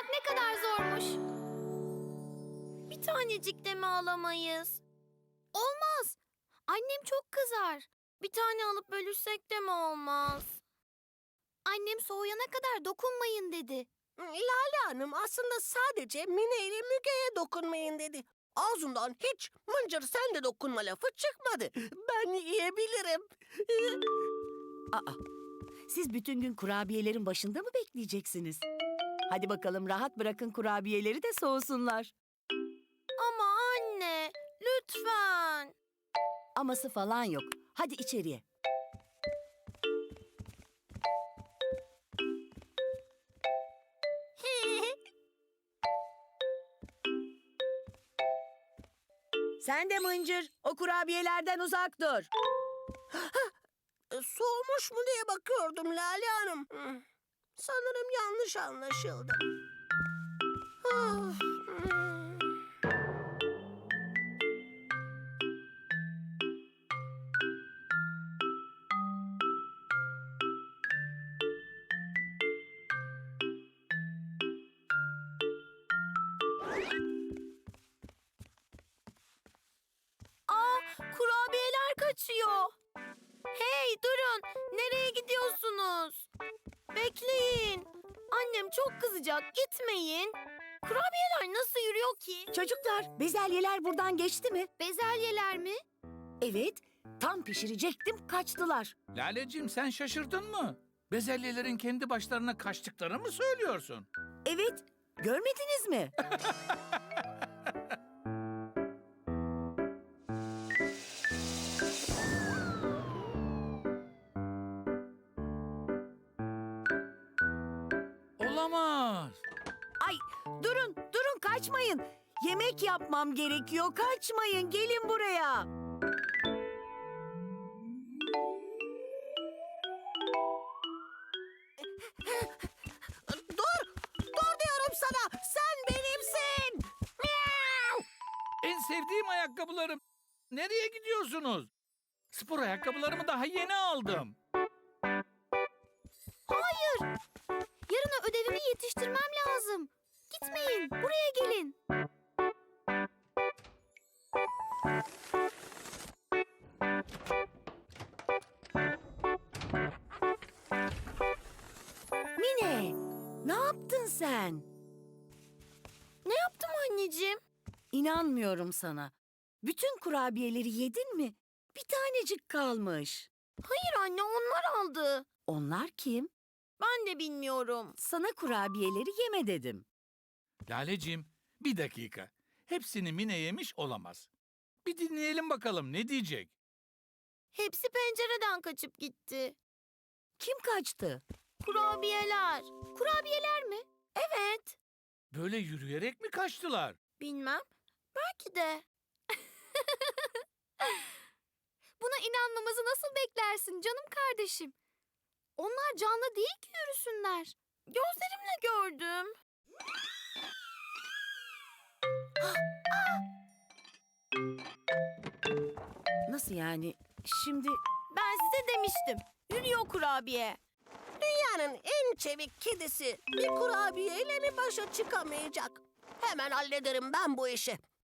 almak ne kadar zormuş. Bir tanecik de mi alamayız? Olmaz. Annem çok kızar. Bir tane alıp bölüşsek de mi olmaz? Annem soğuyana kadar dokunmayın dedi. Lale Hanım aslında sadece Mine ile Müge'ye dokunmayın dedi. Ağzından hiç Mıncır sen de dokunma lafı çıkmadı. Ben yiyebilirim. Aa, siz bütün gün kurabiyelerin başında mı bekleyeceksiniz? Hadi bakalım rahat bırakın kurabiyeleri de soğusunlar. Ama anne, lütfen. Aması falan yok. Hadi içeriye. Sen de Mıncır, o kurabiyelerden uzak dur. Soğumuş mu diye bakıyordum Lale Hanım. Sanırım yanlış anlaşıldı. Of. Aa, kurabiyeler kaçıyor. Hey, durun. Nereye gidiyorsunuz? Bekleyin. Annem çok kızacak. Gitmeyin. Kurabiyeler nasıl yürüyor ki? Çocuklar, bezelyeler buradan geçti mi? Bezelyeler mi? Evet, tam pişirecektim, kaçtılar. Laleciğim sen şaşırdın mı? Bezelyelerin kendi başlarına kaçtıklarını mı söylüyorsun? Evet, görmediniz mi? Olamaz. Ay, durun kaçmayın. Yemek yapmam gerekiyor, kaçmayın, gelin buraya. Dur diyorum sana. Sen benimsin. Miau! En sevdiğim ayakkabılarım. Nereye gidiyorsunuz? Spor ayakkabılarımı daha yeni aldım. Hayır. Yarına ödevimi yetiştirmem lazım. Gitmeyin. Buraya gelin. Mine, ne yaptın sen? Ne yaptım anneciğim? İnanmıyorum sana. Bütün kurabiyeleri yedin mi? Bir tanecik kalmış. Hayır anne, onlar aldı. Onlar kim? Ben de bilmiyorum. Sana kurabiyeleri yeme dedim. Laleciğim bir dakika. Hepsini Mine yemiş olamaz. Bir dinleyelim bakalım ne diyecek? Hepsi pencereden kaçıp gitti. Kim kaçtı? Kurabiyeler. Kurabiyeler mi? Evet. Böyle yürüyerek mi kaçtılar? Bilmem. Belki de. Buna inanmamızı nasıl beklersin canım kardeşim? Onlar canlı değil ki yürüsünler. Gözlerimle gördüm. Nasıl yani? Şimdi Ben size demiştim. Yürüyor kurabiye. Dünyanın en çevik kedisi bir kurabiyeyle mi başa çıkamayacak? Hemen hallederim ben bu işi.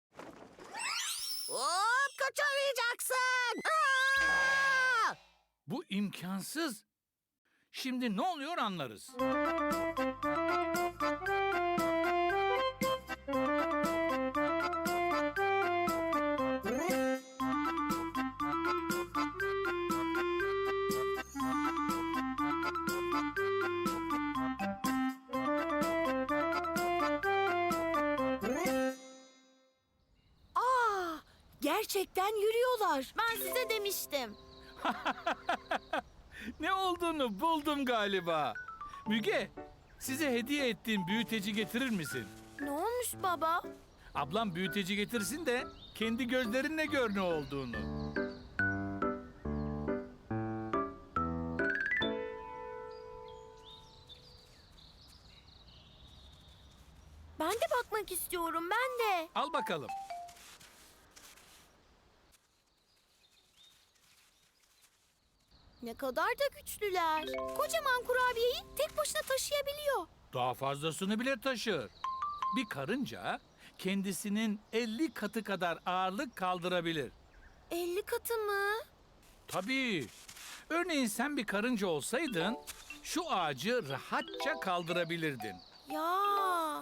Hop, kaçamayacaksın. Aa! Bu imkansız. Şimdi ne oluyor anlarız. gerçekten yürüyorlar. Ben size demiştim. Ne olduğunu buldum galiba. Müge, size hediye ettiğim büyüteci getirir misin? Ne olmuş baba? Ablam büyüteci getirsin de kendi gözlerinle gör ne olduğunu. Ben de bakmak istiyorum, ben de. Al bakalım. Ne kadar da güçlüler. Kocaman kurabiyeyi tek başına taşıyabiliyor. Daha fazlasını bile taşır. Bir karınca kendisinin 50 katı kadar ağırlık kaldırabilir. 50 katı mı? Tabii. Örneğin sen bir karınca olsaydın şu ağacı rahatça kaldırabilirdin. Ya.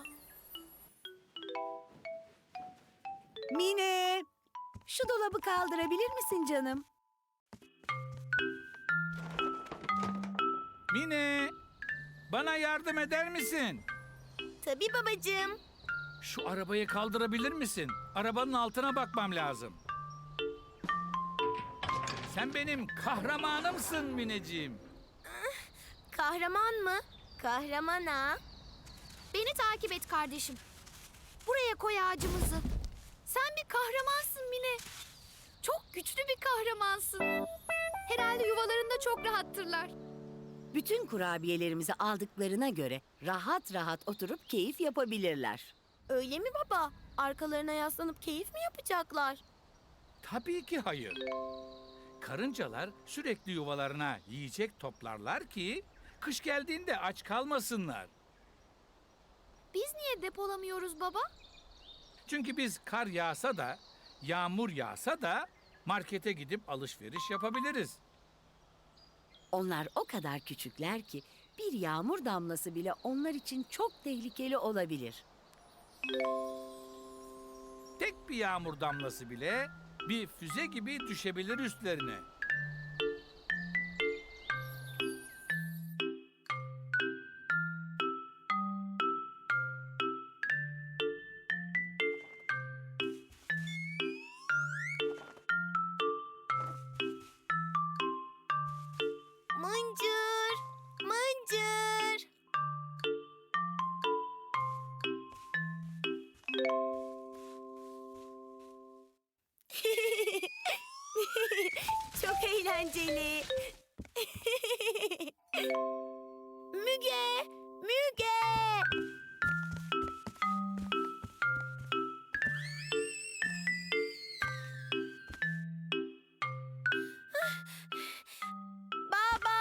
Mine, şu dolabı kaldırabilir misin canım? Mine, bana yardım eder misin? Tabii babacığım. Şu arabayı kaldırabilir misin? Arabanın altına bakmam lazım. Sen benim kahramanımsın Mineciğim. Kahraman mı? Kahraman ha? Beni takip et kardeşim. Buraya koy ağacımızı. Sen bir kahramansın Mine. Çok güçlü bir kahramansın. Herhalde yuvalarında çok rahattırlar. Bütün kurabiyelerimizi aldıklarına göre rahat rahat oturup keyif yapabilirler. Öyle mi baba? Arkalarına yaslanıp keyif mi yapacaklar? Tabii ki hayır. Karıncalar sürekli yuvalarına yiyecek toplarlar ki kış geldiğinde aç kalmasınlar. Biz niye depolamıyoruz baba? Çünkü biz kar yağsa da, yağmur yağsa da markete gidip alışveriş yapabiliriz. Onlar o kadar küçükler ki bir yağmur damlası bile onlar için çok tehlikeli olabilir. Tek bir yağmur damlası bile bir füze gibi düşebilir üstlerine. Mıncır, mıncır. Çok eğlenceli. Müge, Müge. Baba.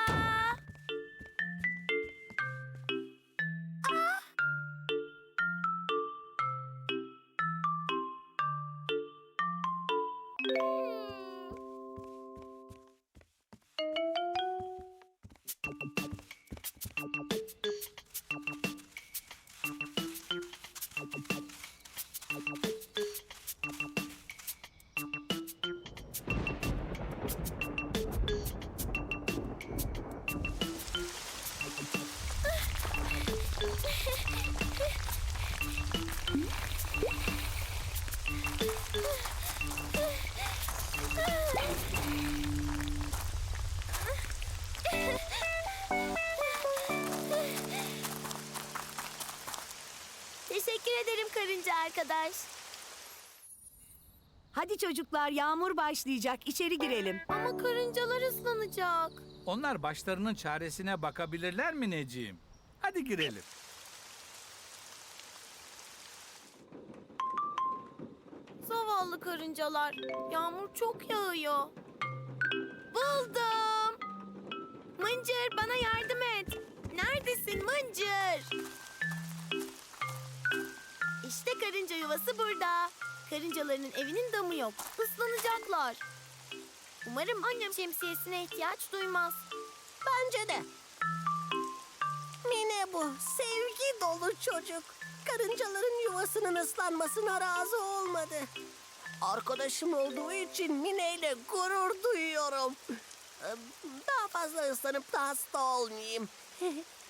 Teşekkür ederim karınca arkadaş. Hadi çocuklar, yağmur başlayacak. İçeri girelim. Ama karıncalar ıslanacak. Onlar başlarının çaresine bakabilirler mi Neciğim? Hadi girelim. Zavallı karıncalar. Yağmur çok yağıyor. Buldum. Mıncır bana yardım et. Neredesin Mıncır? İşte karınca yuvası burada. Karıncaların evinin damı yok. Islanacaklar. Umarım annem şemsiyesine ihtiyaç duymaz. Bence de. Mine bu. Sevgi dolu çocuk. Karıncaların yuvasının ıslanmasına razı olmadı. Arkadaşım olduğu için Mine ile gurur duyuyorum. Daha fazla ıslanıp da hasta olmayayım.